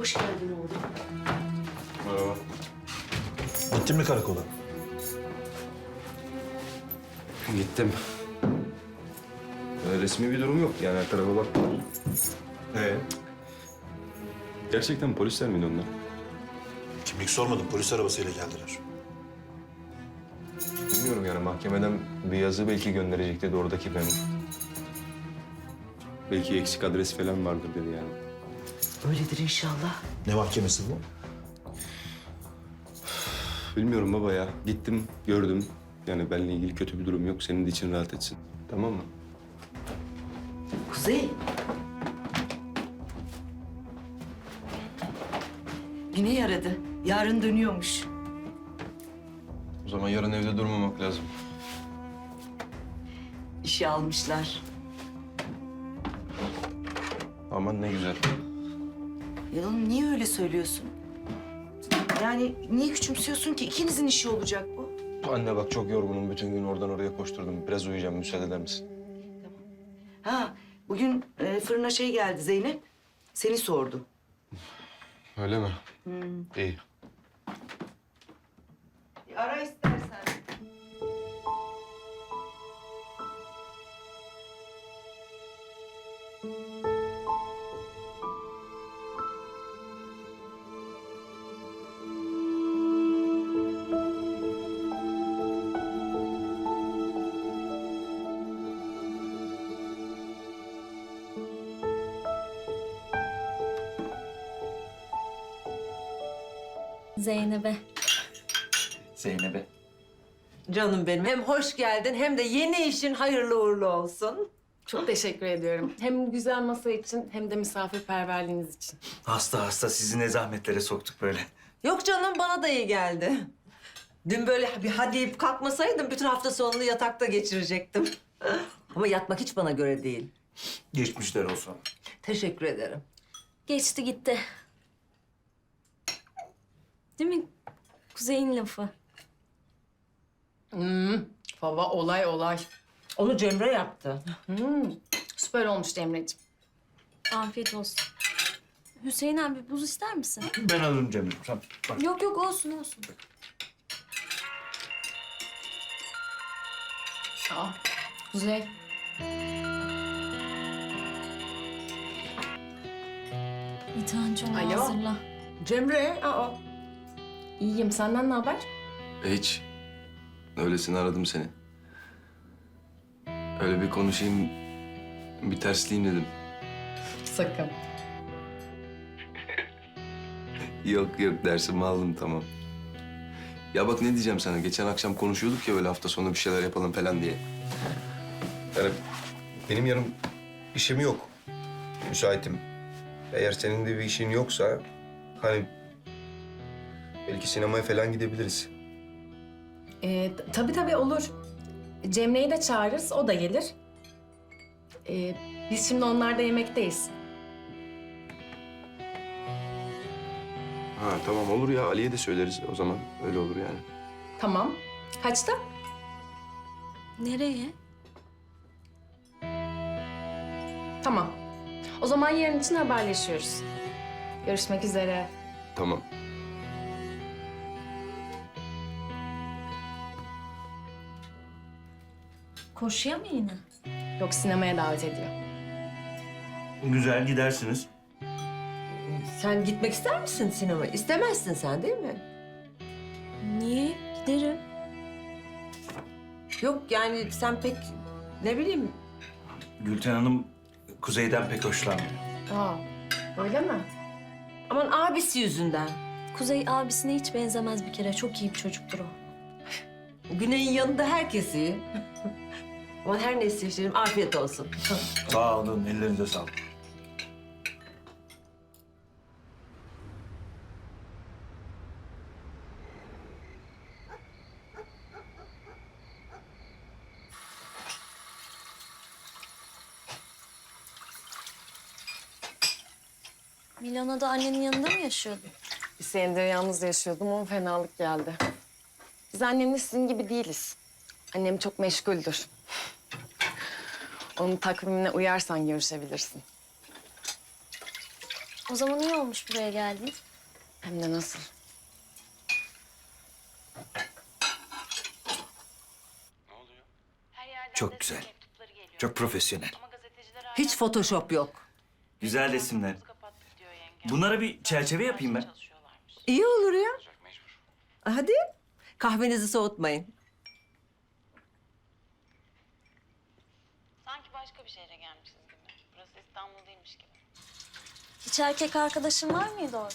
Hoş geldin oğlum. Merhaba. Gittin mi karakola? Gittim. Resmi bir durum yok yani her tarafa baktılar. Gerçekten polisler miydi onlar? Kimlik sormadım. Polis arabasıyla geldiler. Bilmiyorum yani mahkemeden bir yazı belki gönderecek dedi oradaki memur. Belki eksik adres falan vardır dedi yani. Öyledir inşallah. Ne mahkemesi bu? Bilmiyorum baba ya. Gittim, gördüm. Yani benimle ilgili kötü bir durum yok. Senin de için rahat etsin. Tamam mı? Kuzey. Yine yaradı. Yarın dönüyormuş. O zaman yarın evde durmamak lazım. İşe almışlar. Aman ne güzel. Ya oğlum niye öyle söylüyorsun? Yani niye küçümsüyorsun ki? İkinizin işi olacak bu. Anne bak çok yorgunum. Bütün gün oradan oraya koşturdum. Biraz uyuyacağım. Müsaade eder misin? Ha, bugün fırına şey geldi Zeynep. Seni sordu. Öyle mi? İyi. Bir ara istersen. Zeynep'e. Zeynep'e. Canım benim, hem hoş geldin hem de yeni işin hayırlı uğurlu olsun. Çok teşekkür ediyorum. Hem güzel masa için hem de misafirperverliğiniz için. Hasta sizi ne zahmetlere soktuk böyle. Yok canım, bana da iyi geldi. Dün böyle bir hadi deyip kalkmasaydım bütün hafta sonunu yatakta geçirecektim. Ama yatmak hiç bana göre değil. Geçmişler olsun. Teşekkür ederim. Geçti gitti. Değil mi? Kuzey'in lafı. Baba olay. Onu Cemre yaptı. Süper olmuş Emre'ciğim. Afiyet olsun. Hüseyin abi buz ister misin? Ben alırım Cemre. Sen bak. Yok olsun. Aa, Kuzey. İtancı onu Alo. hazırla. Cemre, İyiyim. Senden ne haber? Hiç. Öylesine aradım seni. Öyle bir konuşayım, bir tersleyeyim dedim. Sakın. Yok dersimi aldım tamam. Ya bak ne diyeceğim sana. Geçen akşam konuşuyorduk ya böyle hafta sonu bir şeyler yapalım falan diye. Yani benim yarın işim yok. Müsaitim. Eğer senin de bir işin yoksa hani belki sinemaya falan gidebiliriz. Tabii olur. Cemre'yi de çağırırız. O da gelir. Biz şimdi onlarda yemekteyiz. Ha tamam olur ya Ali'ye de söyleriz o zaman. Öyle olur yani. Tamam. Kaçta? Nereye? Tamam. O zaman yarın için haberleşiyoruz. Görüşmek üzere. Tamam. Koşuya mı yine? Yok, sinemaya davet ediyor. Güzel gidersiniz. sen gitmek ister misin sinemaya? İstemezsin sen değil mi? Niye? Giderim. Yok yani sen pek ne bileyim. Gülten Hanım Kuzey'den pek hoşlanmıyor. Aa, öyle mi? Aman abisi yüzünden. Kuzey abisine hiç benzemez bir kere. Çok iyi bir çocuktur o. Güney'in yanında herkes iyi. Aman her neyse şekerim, afiyet olsun. Sağ olun, ellerinize sağlık. Milano'da annenin yanında mı yaşıyordun? Bir senedir yalnız yaşıyordum ama fenalık geldi. Biz annemle sizin gibi değiliz. Annem çok meşguldür. Onun takvimine uyarsan görüşebilirsin. O zaman iyi olmuş buraya geldin. Hem de nasıl? Çok güzel. Çok profesyonel. Hiç Photoshop yok. Güzel resimler. Bunlara bir çerçeve yapayım ben. İyi olur ya. Hadi kahvenizi soğutmayın. Sanki başka bir şehre gelmişiz gibi. Burası İstanbul değilmiş gibi. Hiç erkek arkadaşın var mıydı orada?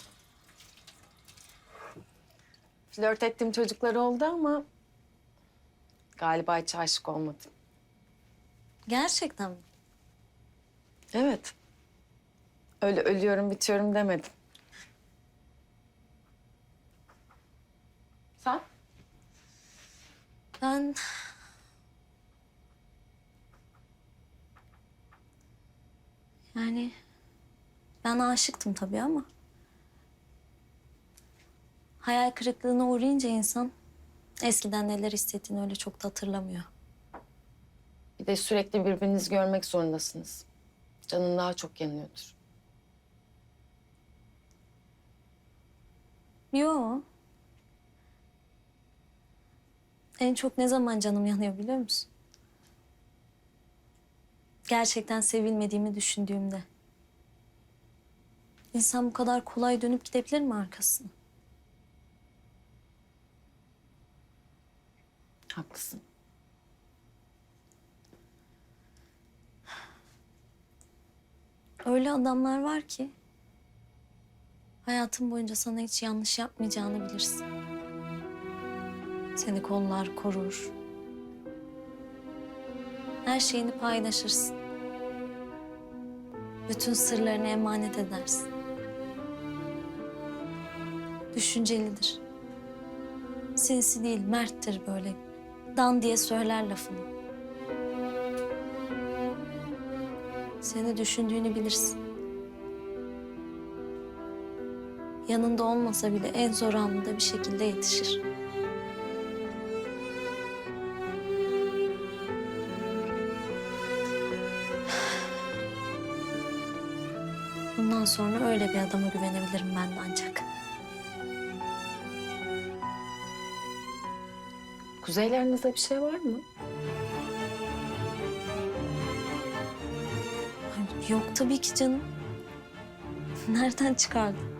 Flört ettiğim çocuklar oldu ama galiba hiç aşık olmadım. Gerçekten mi? Evet. Öyle ölüyorum bitiyorum demedim. Sen? Ben... Yani... Ben aşıktım tabii ama... Hayal kırıklığına uğrayınca insan... Eskiden neler hissettiğini öyle çok da hatırlamıyor. Bir de sürekli birbirinizi görmek zorundasınız. Canın daha çok yanıyordur. Yo. En çok ne zaman canım yanıyor biliyor musun? Gerçekten sevilmediğimi düşündüğümde. İnsan bu kadar kolay dönüp gidebilir mi arkasına? Haklısın. Öyle adamlar var ki... hayatın boyunca sana hiç yanlış yapmayacağını bilirsin. Seni kollar, korur. Her şeyini paylaşırsın. Bütün sırlarını emanet edersin. Düşüncelidir. Sinsi değil, merttir böyle. Dan diye söyler lafını. Seni düşündüğünü bilirsin. Yanında olmasa bile en zor anında bir şekilde yetişir. Bundan sonra öyle bir adama güvenebilirim ben de ancak. Kuzeylerinizde bir şey var mı? Ay, yok tabii ki canım. Nereden çıkardın?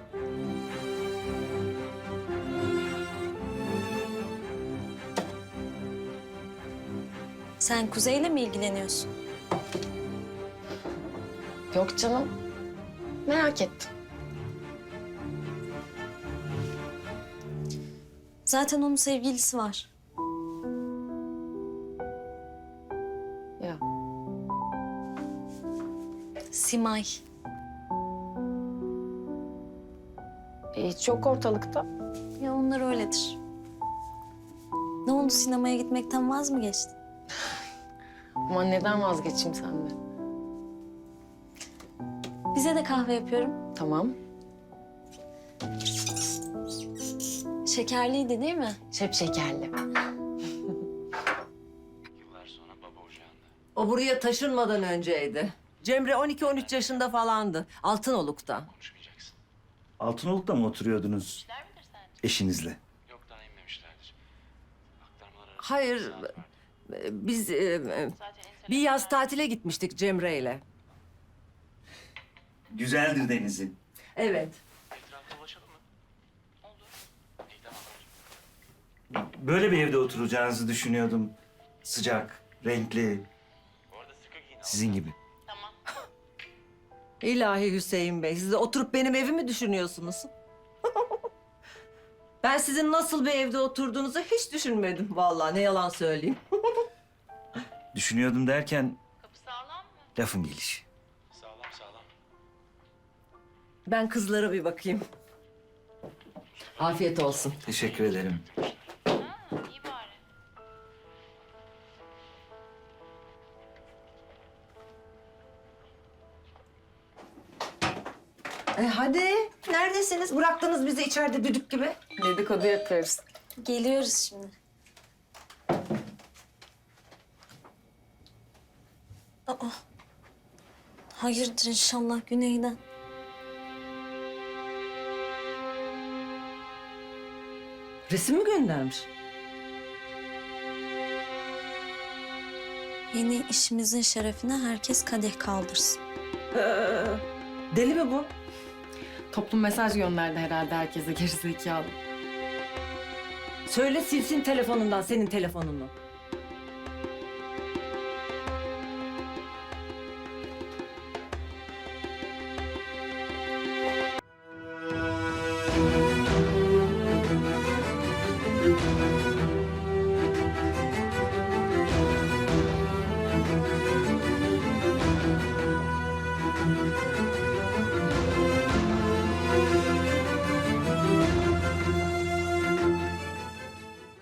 Sen Kuzey'le mi ilgileniyorsun? Yok canım. Merak ettim. Zaten onun sevgilisi var. Ya Simay. hiç yok ortalıkta. Ya onlar öyledir. Ne oldu, sinemaya gitmekten vaz mı geçtin? Ama neden vazgeçeyim senden? Bize de kahve yapıyorum. Tamam. Şekerliydi değil mi? Şep şekerli. O buraya taşınmadan önceydi. Cemre 12-13 yaşında falandı. Altınoluk'ta. Altınoluk'ta mı oturuyordunuz eşinizle? Hayır, biz bir yaz tatile gitmiştik Cemre'yle. Güzeldir denizi. Evet. Böyle bir evde oturacağınızı düşünüyordum. Sıcak, renkli. Sizin gibi. İlahi Hüseyin Bey, siz de oturup benim evimi düşünüyorsunuz. Ben sizin nasıl bir evde oturduğunuzu hiç düşünmedim vallahi, ne yalan söyleyeyim. Düşünüyordum derken Kapı sağlam mı? lafın gelişi. Ben kızlara bir bakayım. Afiyet olsun. Teşekkür ederim. Ha, iyi bari. Hadi, neredesiniz? Bıraktınız bizi içeride düdük gibi. Dedikodu yapıyoruz. Geliyoruz şimdi. Aa. Hayırdır inşallah Güney'den. Resim mi göndermiş? Yeni işimizin şerefine herkes kadeh kaldırsın. Deli mi bu? Toplum mesaj gönderdi herhalde herkese gerizekalı. Söyle silsin telefonundan senin telefonunu.